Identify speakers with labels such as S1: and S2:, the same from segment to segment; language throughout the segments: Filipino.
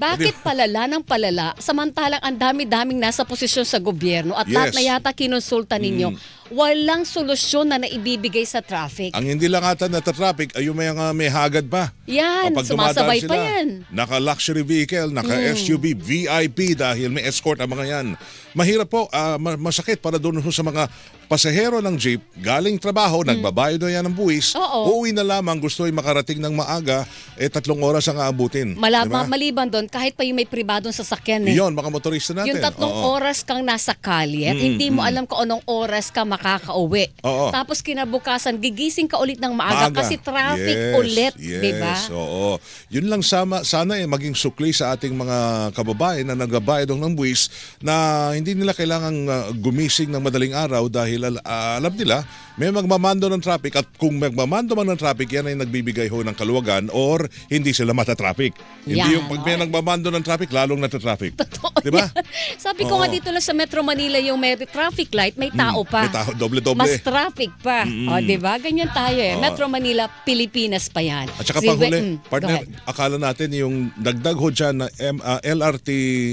S1: Bakit palala ng palala samantalang ang dami-daming nasa posisyon sa gobyerno at lahat na yata kinonsulta ninyo, walang solusyon na naibibigay sa traffic.
S2: Ang hindi lang ata nata-traffic ay yung may hagad pa.
S1: Yan,
S2: Kapag
S1: sumasabay
S2: dumadaan
S1: pa
S2: sila,
S1: yan.
S2: Naka-luxury vehicle, naka-SUV, VIP dahil may escort ang mga yan. Mahirap po, masakit para doon sa mga pasahero ng jeep, galing trabaho, nagbabayad na yan ng buwis, uuwi na lamang, gusto ay makarating ng maaga, 3 oras ang aabutin. Diba?
S1: Maliban doon, kahit pa yung may pribadong sasakyan eh.
S2: Yun, mga motorista natin.
S1: Yung 3 oras kang nasa kalye at hindi mo alam kung anong oras ka makakauwi. Tapos kinabukasan, gigising ka ulit ng maaga kasi traffic ulit. Diba?
S2: Oo. Yun lang sana maging sukli sa ating mga kababayan na nagbabayad ng buwis na hindi nila kailangang gumising ng madaling araw dahil alam nila may magmamando ng traffic at kung magmamando man ng traffic yan ay nagbibigay ho ng kaluwagan or hindi sila mata-traffic. Hindi yung pag may nagmamando ng traffic lalong nata-traffic.
S1: Totoo.
S2: Diba?
S1: Sabi ko nga dito lang sa Metro Manila yung may traffic light, may tao pa.
S2: May tao, doble-doble.
S1: Mas traffic pa. O, diba? Ganyan tayo eh. Metro Manila, Pilipinas pa yan.
S2: At saka panghuli, partner, akala natin yung dagdag ho dyan na LRT,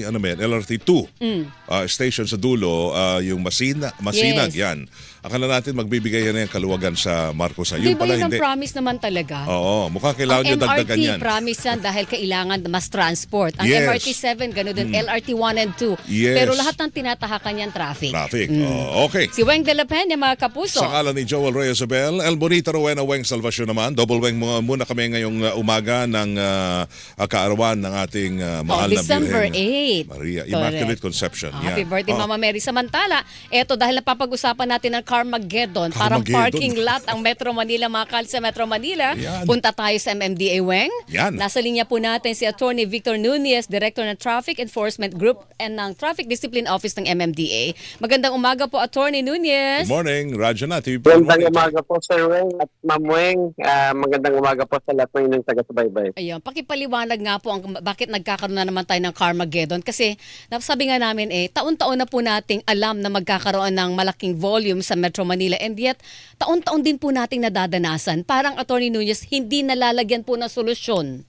S2: LRT 2 station sa dulo, yung Masinag, yan. Akala natin magbibigay yan ng kaluwagan sa Marcos. Yun
S1: Diba
S2: pala
S1: yun ang
S2: hindi.
S1: promise naman talaga?
S2: Oo, mukhang kailangan nyo dagdagan yan.
S1: MRT promise yan dahil kailangan mas transport. Ang MRT 7, gano'n din. LRT 1 and 2. Pero lahat ng tinatahakan yan, traffic.
S2: Okay.
S1: Si Weng de la Peña, mga kapuso.
S2: Sa ngalan ni Joel Reyes Abel, El Bonita Rowena Weng Salvacion naman. Double Weng muna kami ngayong umaga ng kaarawan ng ating mahal na
S1: December
S2: Birhen
S1: 8.
S2: Maria, Immaculate Conception.
S1: Happy birthday, Mama Mary. Samantala, eto dahil napapag-usapan natin ng Carmageddon, parang parking lot ang Metro Manila, mga kal sa Metro Manila. Punta tayo sa MMDA, Weng. Nasa linya po natin si Attorney Victor Nunez, Director ng Traffic Enforcement Group and ng Traffic Discipline Office ng MMDA. Magandang umaga po, Attorney Nunez.
S2: Good morning, Radyo Native.
S3: Magandang umaga po, Sir Weng at Ma'am Weng. Magandang umaga po sa lahat ng inyong taga-subaybay.
S1: Ayun, pakipaliwanag nga po bakit nagkakaroon na naman tayo ng Carmageddon. Kasi sabi nga namin taon-taon na po nating alam na magkakaroon ng malaking volume sa Metro Manila. And yet, taon-taon din po nating nadadanasan. Parang Attorney Nunez, hindi nalalagyan po ng solusyon.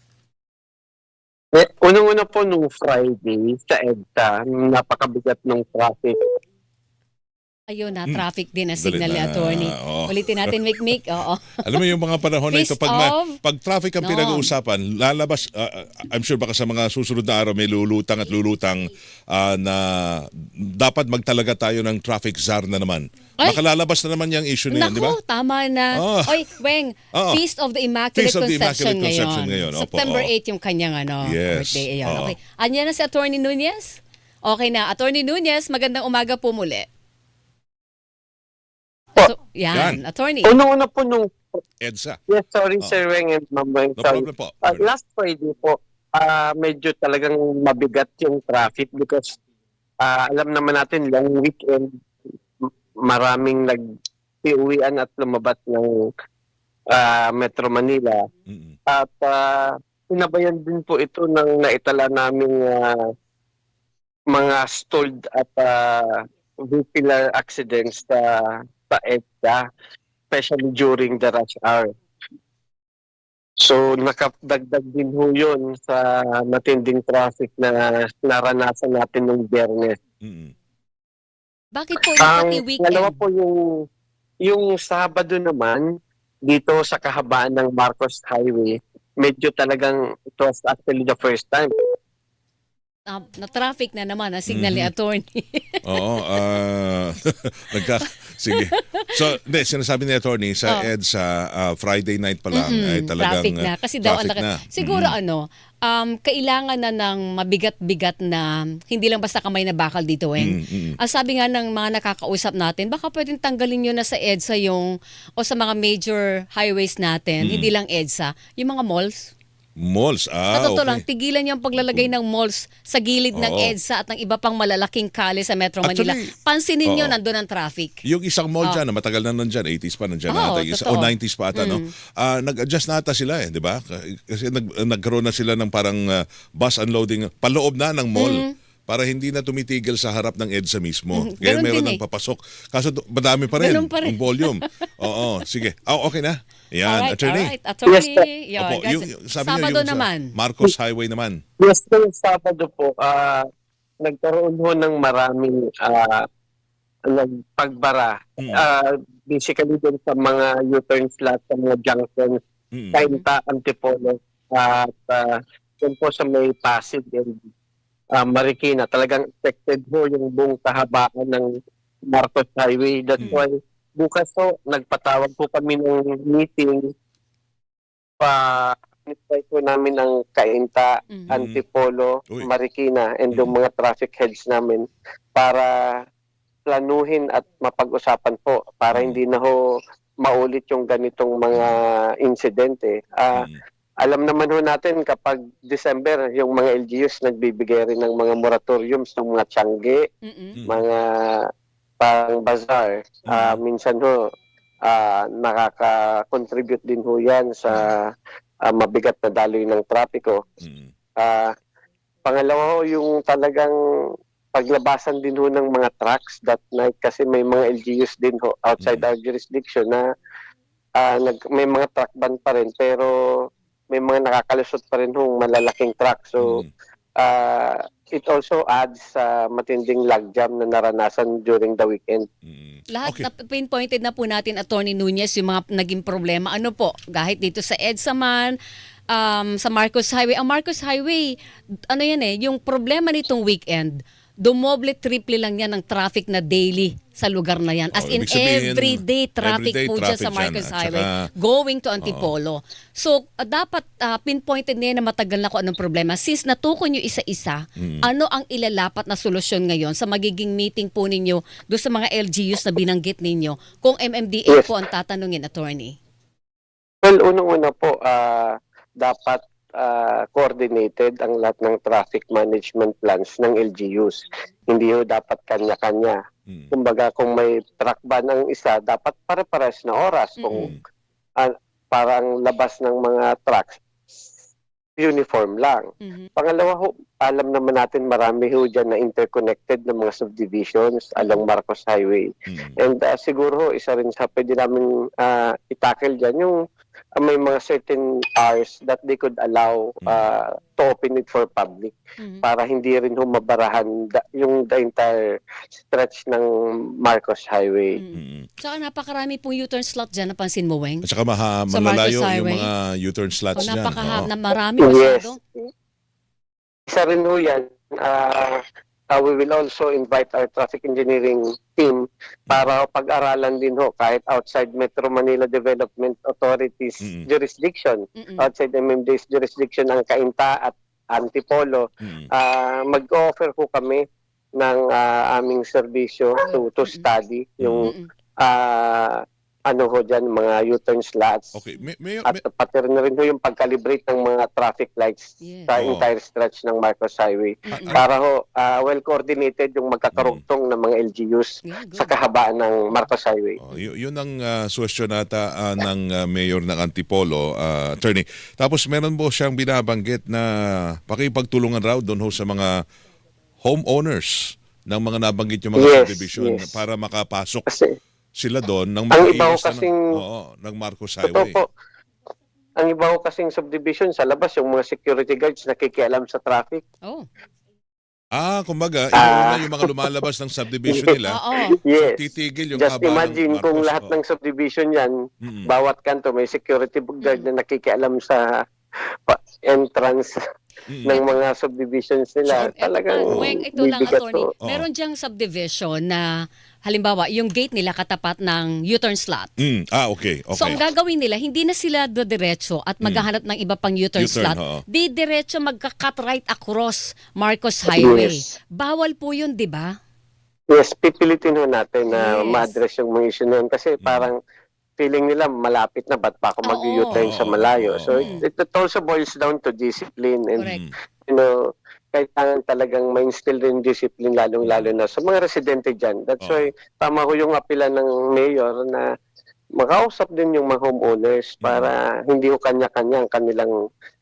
S3: Unang-una po nung Friday sa EDSA, napakabigat ng traffic.
S1: Ayun na, traffic din na signal ni Attorney. Ulitin natin, Mick. Oo.
S2: Alam mo yung mga panahon na ito, pag traffic ang pinag-uusapan, lalabas, I'm sure baka sa mga susunod na araw may lulutang na dapat magtalaga tayo ng traffic czar na naman. Baka lalabas na naman yung issue na yan, di ba?
S1: Naku, tama na. Oy, Weng, Feast of the Immaculate Conception ngayon. September 8 yung kanyang birthday. Okay. Anya na si Attorney Nunez? Okay na. Attorney Nunez, magandang umaga po muli. Yan, Attorney.
S3: Unang-una po nung
S2: EDSA.
S3: Yes, sorry, Sir Weng and Ma'am Weng.
S2: No problem po.
S3: Last Friday po, medyo talagang mabigat yung traffic because alam naman natin, long weekend, maraming nag-iuwian at lumabas ng Metro Manila. At sinabayan din po ito ng naitala naming mga stalled at vehicular accidents sa EDSA, especially during the rush hour. So nakadagdag din ho yun sa matinding traffic na naranasan natin nung Biyernes.
S1: Bakit po pati weekend?
S3: Dalawa po yung Sabado naman, dito sa kahabaan ng Marcos Highway, medyo talagang it was actually the first time.
S1: Na-traffic na naman ang signal ni Attorney.
S2: Oo. Sige. So, sinasabi ni Attorney sa EDSA, Friday night pa lang ay talagang
S1: traffic na. Kasi daw, siguro kailangan na ng mabigat-bigat na hindi lang basta kamay na bakal dito, Weng. Ang sabi nga ng mga nakakausap natin, baka pwedeng tanggalin nyo na sa EDSA o sa mga major highways natin, hindi lang EDSA, yung mga malls.
S2: Malls,
S1: Sa totoo lang, tigilan yung paglalagay ng malls sa gilid ng EDSA at ng iba pang malalaking kali sa Metro Manila. Pansinin nyo, nandun ang traffic.
S2: Yung isang mall dyan, na matagal na nandyan, 80s pa nandyan ata, o 90s pa ata, no? Nag-adjust na ata sila di ba? Kasi nagkaroon na sila ng parang bus unloading, paloob na ng mall. para hindi na tumitigil sa harap ng EDSA mismo.
S1: Mhm.
S2: Kaya
S1: Ganun
S2: meron
S1: din
S2: ng papasok. Kaso madami pa rin
S1: Ganun pa rin.
S2: yung volume. Oo, sige. Okay na. Yan, attorney.
S1: Alright. Attorney,
S3: Yes,
S1: yun,
S2: Opo,
S1: guys.
S2: sabi niyo
S1: Sabado
S2: yung
S1: naman.
S2: sa Marcos Highway naman.
S3: Yes, yung Sabado po, nagkaroon ho ng maraming nagpagbara. Basically din sa mga U-turn slots, sa mga junctions, Cainta, Antipolo, at yun po sa may Pasig and Marikina. Talagang affected ho yung buong kahabaan ng Marcos Highway. That's why bukas po, nagpatawag po kami ng meeting invite po namin ang Cainta, Antipolo,
S2: Uy.
S3: Marikina, and yung mga traffic heads namin para planuhin at mapag-usapan po para hindi na ho maulit yung ganitong mga insidente. Alam naman ho natin kapag December, yung mga LGUs nagbibigay rin ng mga moratoriums ng mga tiyangge, mga pang bazaar. Minsan ho, nakaka-contribute din ho yan sa mabigat na daloy ng trapiko. Pangalawa ho, yung talagang paglabasan din ho ng mga trucks that night kasi may mga LGUs din ho outside our jurisdiction na may mga truck ban pa rin pero may mga nakakalusot pa rin ho malalaking truck. So, it also adds sa matinding logjam na naranasan during the weekend.
S1: Lahat na pinpointed na po natin, Attorney Nunez, yung mga naging problema. Ano po, kahit dito sa EDSA man, sa Marcos Highway. Ang Marcos Highway, ano yan yung problema nitong weekend, dumoble-triple lang yan ng traffic na daily sa lugar na yan. As in,
S2: ibig sabihin,
S1: everyday traffic
S2: everyday
S1: po dyan sa
S2: traffic
S1: Marcos
S2: dyan. At
S1: Highway
S2: saka,
S1: going to Antipolo. So, dapat pinpointed niya na matagal na kung anong problema. Since natukoy nyo isa-isa, ano ang ilalapat na solusyon ngayon sa magiging meeting po ninyo doon sa mga LGUs na binanggit ninyo kung MMDA po ang tatanungin, Attorney?
S3: Well, unang-una po, dapat coordinated ang lahat ng traffic management plans ng LGUs. Hindi ho dapat kanya-kanya. Kumbaga, kung may truck ban ang isa, dapat pare-pares na oras. Kung parang labas ng mga trucks, uniform lang. Pangalawa ho, alam naman natin marami ho dyan na interconnected na mga subdivisions along Marcos Highway. And siguro ho, isa rin sa pwede namin itackle dyan yung may mga certain hours that they could allow to open it for public para hindi rin humabarahan yung the entire stretch ng Marcos Highway.
S1: Saka napakarami pong U-turn slot dyan, napansin mo, Weng?
S2: At saka
S1: Sa
S2: malalayo
S1: Marcos
S2: yung
S1: Highway.
S2: mga U-turn slots dyan.
S1: Na marami
S3: Yes.
S1: masyado.
S3: Isa rin ho yan. We will also invite our traffic engineering team para pag-aralan din ho kahit outside Metro Manila Development Authority's jurisdiction, outside MMDA's jurisdiction ang Cainta at Antipolo. Mag-offer ho kami ng aming serbisyo to study yung ano ho dyan, mga U-turn slots.
S2: Okay.
S3: At pati rin ho yung pag-calibrate ng mga traffic lights sa entire stretch ng Marcos Highway. Para ho, well-coordinated yung magkakarugtong ng mga LGUs sa kahabaan ng Marcos Highway.
S2: Yun ang suwestyon nata ng mayor ng Antipolo, attorney. Tapos meron po siyang binabanggit na pakipagtulungan raw doon ho sa mga homeowners ng mga nabanggit yung mga subdivision para makapasok sila doon ng ng Marcos Highway.
S3: Po, ang iba ko kasing subdivision sa labas, yung mga security guards nakikialam sa traffic.
S2: Kumbaga, inuuna yung mga lumalabas ng subdivision nila.
S3: Yes.
S2: Titigil yung
S3: Just imagine kung lahat ng subdivision yan, bawat kanto may security guard na nakikialam sa entrance ng mga subdivisions nila. Talagang
S1: Weng, ito lang, Attorney. Meron diyang subdivision na halimbawa, yung gate nila katapat ng U-turn slot.
S2: Okay.
S1: So, ang gagawin nila, hindi na sila diretso at maghahanap ng iba pang U-turn slot. Di diretso magka-cut right across Marcos Highway.
S3: Yes.
S1: Bawal po yun, di ba?
S3: Yes, pipilitin ho natin na ma-address yung mga issue na yun. Kasi parang feeling nila malapit na, ba't pa ako mag-U-turn sa malayo? So, it also boils down to discipline. And, kailangan talagang ma-instill rin discipline lalong-lalo na sa mga residente dyan. That's why tama ko yung apela ng mayor na makausap din yung mga homeowners para hindi ko kanya-kanya ang kanilang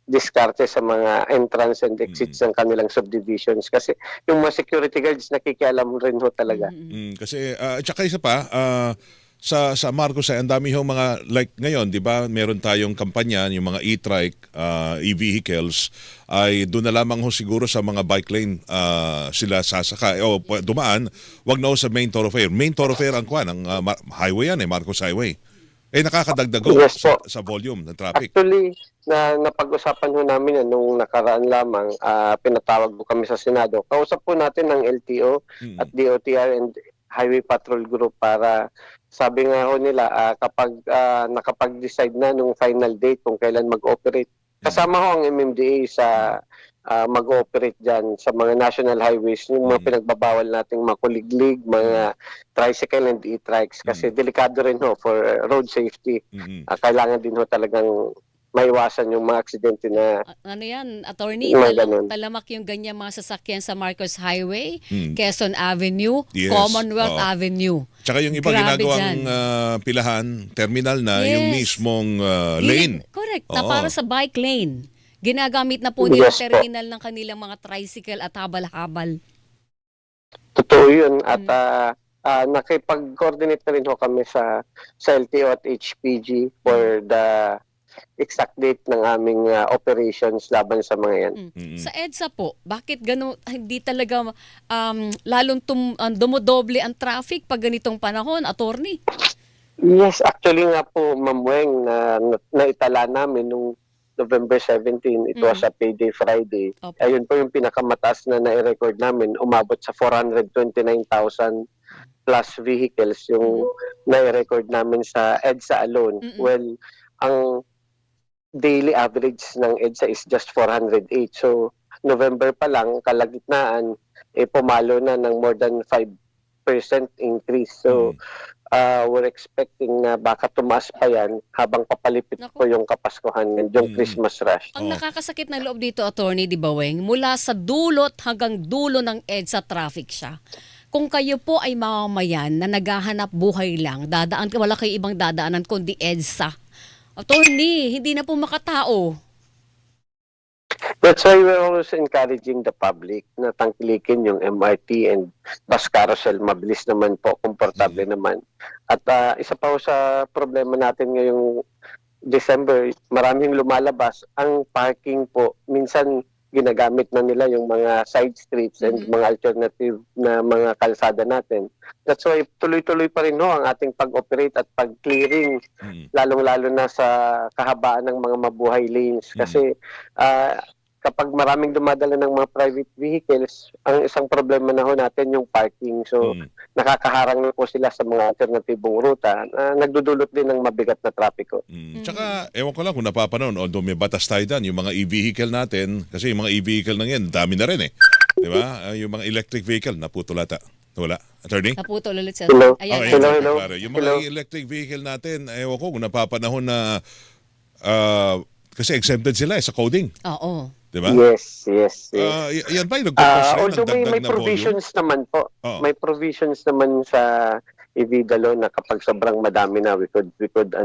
S3: diskarte sa mga entrance and exits ng kanilang subdivisions. Kasi yung mga security guards nakikialam rin ho talaga.
S2: Kasi tsaka isa pa, sa Marcos ay ang dami hong mga like ngayon, 'di ba? Meron tayong kampanya yung mga e-trike, e-vehicles ay doon na lamang ho siguro sa mga bike lane sila sasakay o dumaan, wag na ho sa main thoroughfare. Main thoroughfare ang kuan ang highway yan Marcos Highway. Nakakadagdag ho
S3: Yes po.
S2: sa volume ng traffic.
S3: Actually, napag-usapan ho namin yan nung nakaraan lamang, pinatawag po kami sa Senado. Kausap po natin ng LTO at DOTR and Highway Patrol Group para sabi nga ho nila kapag nakapag-decide na nung final date kung kailan mag-operate. Kasama ho ang MMDA sa mag-ooperate dyan sa mga national highways, yung mga pinagbabawal nating makuliglig, mga tricycle and e-trikes kasi delikado rin ho for road safety. Kailangan din ho talagang maiwasan yung mga aksidente na
S1: ano yan, attorney, talamak yung ganyan mga sasakyan sa Marcos Highway, Quezon Avenue,
S2: Yes,
S1: Commonwealth Avenue.
S2: Tsaka yung iba
S1: Grabe
S2: ginagawang pilahan, terminal na yung mismong lane.
S1: Correct, na para sa bike lane. Ginagamit na po nila terminal ng kanilang mga tricycle at habal-habal.
S3: Totoo yun. At nakipag-coordinate na rin ho kami sa LTO at HPG for the exact date ng aming operations laban sa mga yan.
S1: Sa EDSA po, bakit gano'n, hindi talaga lalong dumodoble ang traffic pag ganitong panahon, attorney?
S3: Yes, actually nga po, Ma'am Weng, naitala namin nung November 17, it was a payday Friday. Ayun po yung pinakamataas na na-record namin, umabot sa 429,000 plus vehicles yung na-record namin sa EDSA alone. Well, ang daily average ng EDSA is just 408. So, November pa lang, kalagitnaan, pumalo na ng more than 5% increase. So, we're expecting na baka tumaas pa yan habang papalipit po yung Kapaskuhan and yung Christmas rush.
S1: Ang nakakasakit na loob dito, attorney, di ba, Weng? Mula sa dulot hanggang dulo ng EDSA traffic siya. Kung kayo po ay mamamayan na naghahanap buhay lang, wala kayo ibang dadaanan kundi EDSA. Attorney, hindi na po makatao.
S3: That's why we're always encouraging the public na tangkilikin yung MRT and bus carousel. Mabilis naman po, komportable naman. At isa pa po sa problema natin ngayong December, maraming lumalabas. Ang parking po, minsan ginagamit na nila yung mga side streets and mga alternative na mga kalsada natin. That's why tuloy-tuloy pa rin ang ating pag-operate at pag-clearing, lalong-lalo na sa kahabaan ng mga mabuhay lanes. Kasi kapag maraming dumadala ng mga private vehicles, ang isang problema na ho natin yung parking. So, nakakaharang na po sila sa mga alternatibong ruta na nagdudulot din ng mabigat na trapiko.
S2: Tsaka, ewan ko lang kung napapanood, although may batas tayo dyan, yung mga e-vehicle natin, kasi yung mga e-vehicle na yan, dami na rin Di ba? Yung mga electric vehicle, naputol ata. Wala. Attorney?
S1: Naputol ulit siya.
S3: Hello?
S1: Ayan,
S3: Hello.
S2: Yung mga electric vehicle natin, ewan ko kung napapanahon na kasi exempted sila sa coding.
S1: Oo.
S2: Diba?
S3: Yes.
S2: Yan ba yung nagkakos rin
S3: although
S2: ng dagdag
S3: may
S2: na
S3: provisions
S2: volume?
S3: naman po. May provisions naman sa EVIDA law na kapag sobrang madami na we could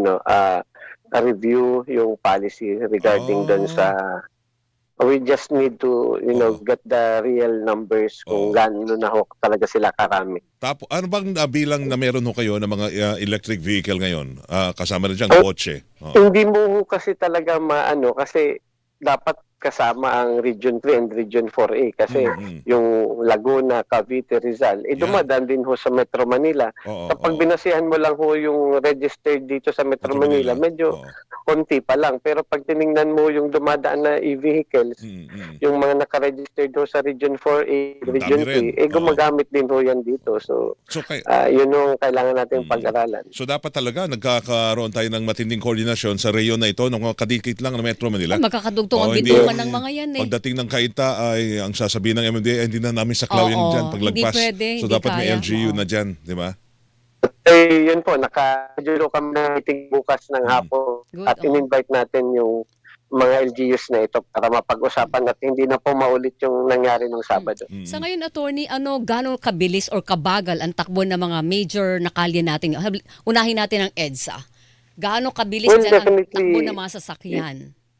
S3: review yung policy regarding dun sa we just need to get the real numbers kung gaano na ho talaga sila karami.
S2: Tapos ano bang bilang na meron ho kayo ng mga electric vehicle ngayon? Kasama na diyan kotse.
S3: Hindi mo kasi talaga maano kasi dapat kasama ang Region 3 and Region 4A kasi yung Laguna, Cavite, Rizal, dumadaan din ho sa Metro Manila. Kapag binasihan mo lang ho yung registered dito sa Metro Manila, medyo konti pa lang. Pero pag tiningnan mo yung dumadaan na e-vehicles, yung mga nakaregistered ho sa Region 4A, Region 3, gumagamit din ho yan dito. So yun yung kailangan natin pag-aralan.
S2: So dapat talaga nagkakaroon tayo ng matinding koordinasyon sa reyon na ito ng mga kadikit lang ng Metro Manila.
S1: Magkakadugtong ang bituman ng mga yan
S2: Pagdating ng Kainta ay ang sasabihin ng MMDA, hindi na namin saklaw yan dyan paglagpas.
S1: Hindi pwede,
S2: so dapat may LGU na dyan, di ba?
S3: Yun po, naka-julo kami ng meeting bukas ng hapon at in-invite natin yung mga LGUs na ito para mapag-usapan at hindi na po maulit yung nangyari ng Sabado.
S1: Sa ngayon, attorney, gano'ng kabilis or kabagal ang takbo ng mga major na kalye natin? Unahin natin ang EDSA. Gaano kabilis dyan ang takbo ng mga sasakyan?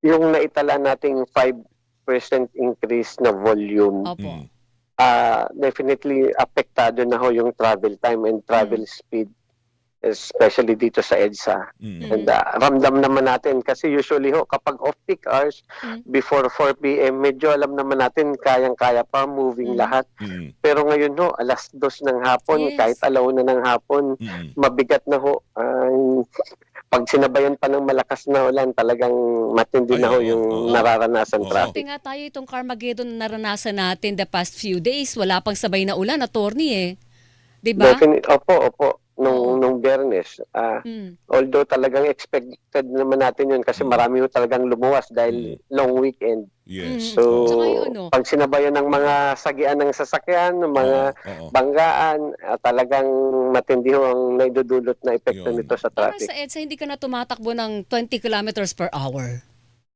S3: yung naitala nating 5% increase na volume,
S1: Opo.
S3: definitely apektado na ho yung travel time and travel speed, especially dito sa EDSA. And ramdam naman natin kasi usually ho kapag off-peak hours before 4 p.m. medyo alam naman natin kayang-kaya pa moving lahat. Pero ngayon ho alas 2 ng hapon,
S1: Yes.
S3: kahit alauna ng hapon, mabigat na ho. Pag sinabayan pa ng malakas na ulan, talagang matindi na ho yung nararanasan traffic.
S1: Buti nga tayo itong Carmageddon na naranasan natin the past few days. Wala pang sabay na ulan, attorney eh. Diba?
S3: Opo. Nung Biyernes. Although talagang expected naman natin yun kasi marami ho talagang lumuwas dahil long weekend.
S2: Yes.
S3: So,
S1: Tsaka yung ano,
S3: pag sinabayan ng mga sagian ng sasakyan, ng mga banggaan, talagang matindi ho ang naidudulot na epekto
S2: Yun.
S3: nito sa
S1: parang
S3: traffic.
S1: sa EDSA hindi ka na tumatakbo ng 20 kilometers per hour.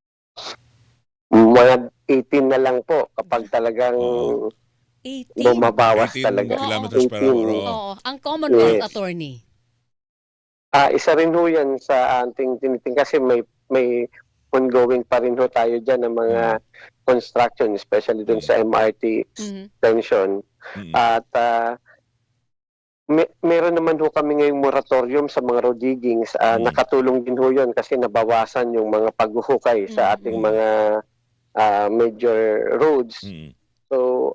S3: Mga 18 na lang po kapag talagang
S1: 18.
S3: bumabawas
S2: 18
S3: talaga.
S2: kilometers per hour.
S3: 18.
S1: Oo. Ang Commonwealth,
S3: Yes.
S1: attorney.
S3: Isa rin ho yan sa ating tiniting kasi may ongoing pa rin ho tayo dyan ng mga construction, especially dun sa MRT extension. At meron naman ho kami ngayong moratorium sa mga road diggings. Nakatulong din ho yun kasi nabawasan yung mga paghuhukay sa ating mga major roads. So,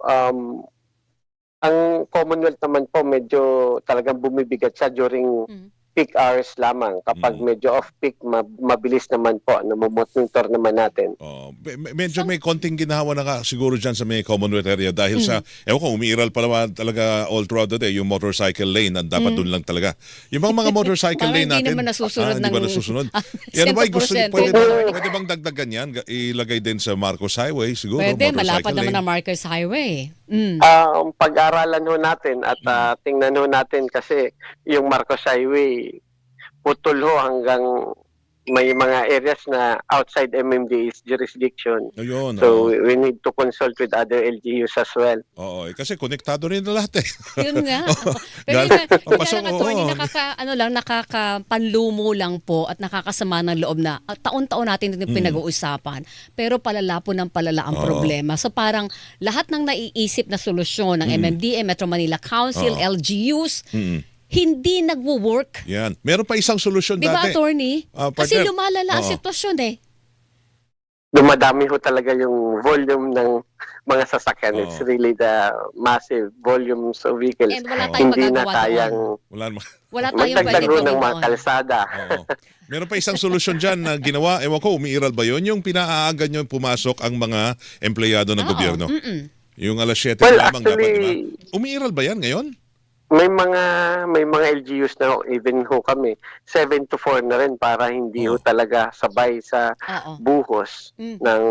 S3: ang Commonwealth naman po medyo talagang bumibigat siya during peak hours lamang. Kapag medyo off-peak, mabilis naman po. Namomonitor naman natin.
S2: Medyo may konting ginawa na siguro dyan sa may Commonwealth area dahil sa, ewan ko, umiiral pa naman talaga all throughout the day yung motorcycle lane. Dapat doon lang talaga. Yung mga motorcycle
S1: Parang
S2: lane
S1: hindi
S2: natin.
S1: naman nasusunod
S2: Hindi ba
S1: ng-
S2: nasusunod? Yan ba, gusto,
S1: 100%.
S2: pwede bang dagdagan yan? Ilagay din sa Marcos Highway siguro.
S1: Pwede,
S2: motorcycle
S1: malapad naman
S2: lane.
S1: ang Marcos Highway.
S3: Pag-aralan ho natin at tingnan ho natin kasi yung Marcos Highway putol ho hanggang may mga areas na outside MMDA's jurisdiction.
S2: Ayun,
S3: So we need to consult with other LGUs as well.
S2: Oo, kasi konektado rin na lahat eh.
S1: Yun nga. Pero yun,
S2: Pasok,
S1: lang, attorney, nakakapanlumo lang po at nakakasama ng loob na taon-taon natin ito pinag-uusapan. Pero palala po ng palala ang problema. So parang lahat ng naiisip na solusyon ng MMDA, Metro Manila Council, LGUs, hindi nagwo-work.
S2: Yan. Meron pa isang solusyon
S1: Di ba,
S2: dati.
S1: attorney? Kasi
S2: partner.
S1: lumalala ang sitwasyon eh.
S3: Dumadami ho talaga yung volume ng mga sasakyan. It's really the massive volumes of vehicles.
S1: And wala tayong
S3: Hindi na
S1: magagawa
S3: kayang
S1: Wala tayong
S3: magdagdag
S1: pwedeng
S3: ho ng
S1: gawin
S3: mga
S1: doon.
S3: kalsada.
S2: Oo. Meron pa isang solusyon dyan na ginawa, ewan ko, umiiral ba yun? Yung pinaaga nyo pumasok ang mga empleyado ng gobyerno. Yung alas 7
S3: Well,
S2: lamang dapat,
S3: actually,
S2: di ba? Umiiral ba yan ngayon?
S3: May mga LGUs na even ho kami 7 to 4 na rin para hindi ho talaga sabay sa buhos ng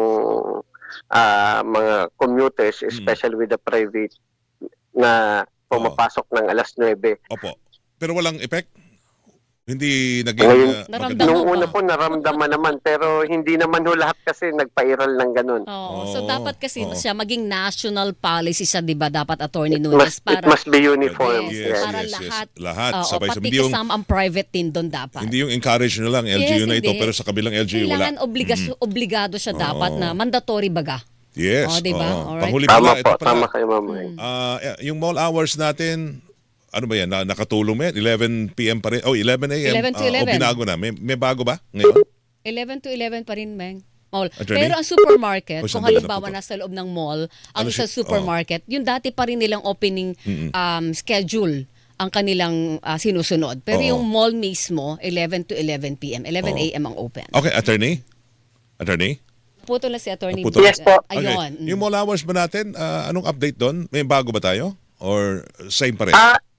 S3: mga commuters, especially with the private na pumapasok ng alas 9.
S2: Opo. Pero walang effect? Hindi naging
S3: Ngayon,
S1: Naramdaman
S3: nung
S1: pa.
S3: una po naramdaman naman pero hindi naman ho lahat kasi nagpa-iral ng ganun.
S1: So dapat kasi siya maging national policy siya, 'di ba? Dapat attorney
S3: It
S1: Nunes para
S3: must be uniform.
S1: Yes,
S3: Yes.
S1: para
S2: yes.
S1: lahat.
S2: Lahat,
S1: Oo,
S2: sabay-sabay.
S1: pati
S2: Hindi yung-
S1: kasama ang private din doon dapat.
S2: Hindi yung encourage nyo lang, LGU na ito,
S1: hindi.
S2: pero sa kabilang LGU
S1: Kailangan
S2: wala.
S1: obligado siya dapat na mandatory baga.
S2: Yes.
S1: Diba?
S2: oo.
S1: Alright.
S2: Panghuli
S3: Tama
S2: pala, ito
S3: po,
S2: pala.
S3: tama kayo ma'am.
S2: Yung mall hours natin, ano ba yan? Nakatulong mo yan? 11 p.m. pa rin? 11 a.m.
S1: 11 to 11.
S2: O binago na? May bago ba ngayon?
S1: 11 to 11 pa rin, Meng. Mall.
S2: Attorney?
S1: Pero ang supermarket,
S2: O,
S1: kung
S2: sandali na
S1: halimbawa
S2: po to.
S1: nasa loob ng mall, ang
S2: Ano
S1: sa
S2: si-
S1: supermarket, yung dati pa rin nilang opening schedule ang kanilang sinusunod. Pero
S2: Oo.
S1: yung mall mismo, 11 to 11 p.m. 11 a.m. ang open.
S2: Okay, attorney? Attorney?
S1: Puto lang si Attorney.
S2: Puto.
S3: Yes po.
S1: Ayun.
S2: Okay. Yung mall hours ba natin, anong update doon? May bago ba tayo? Or same pa rin?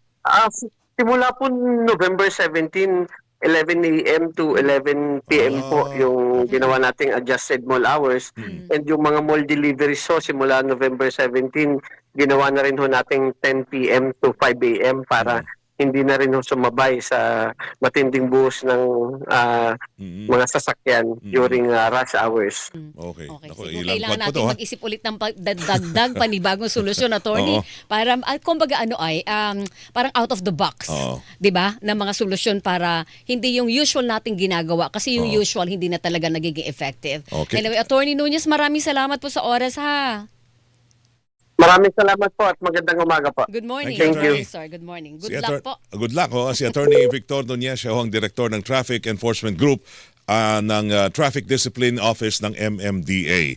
S3: Simula po November 17, 11 a.m. to 11 p.m. po yung ginawa nating adjusted mall hours. And yung mga mall deliveries so simula November 17, ginawa na rin ho nating 10 p.m. to 5 a.m. para hindi na rin ho sumabay sa matinding buhos ng mga sasakyan during rush hours.
S2: Okay.
S1: Okay.
S2: Ako,
S1: Siguro
S2: ilang
S1: kailangan
S2: buwan pa
S1: natin
S2: to, ha?
S1: mag-isip ulit ng dagdag panibagong solusyon, attorney,
S2: Oo.
S1: para kumbaga parang out of the box,
S2: Oo.
S1: 'di ba? Na mga solusyon para hindi yung usual nating ginagawa kasi yung
S2: Oo.
S1: usual hindi na talaga nagiging effective.
S2: Okay.
S1: Anyway, Attorney Nunez, maraming salamat po sa oras, ha.
S3: Maraming salamat po at magandang umaga po.
S1: Good morning.
S2: Thank
S3: you.
S1: Sir. Good morning.
S2: Si
S1: Good luck po.
S2: Good luck. Si Attorney Victor Nunez, siya ho ang Direktor ng Traffic Enforcement Group ng Traffic Discipline Office ng MMDA.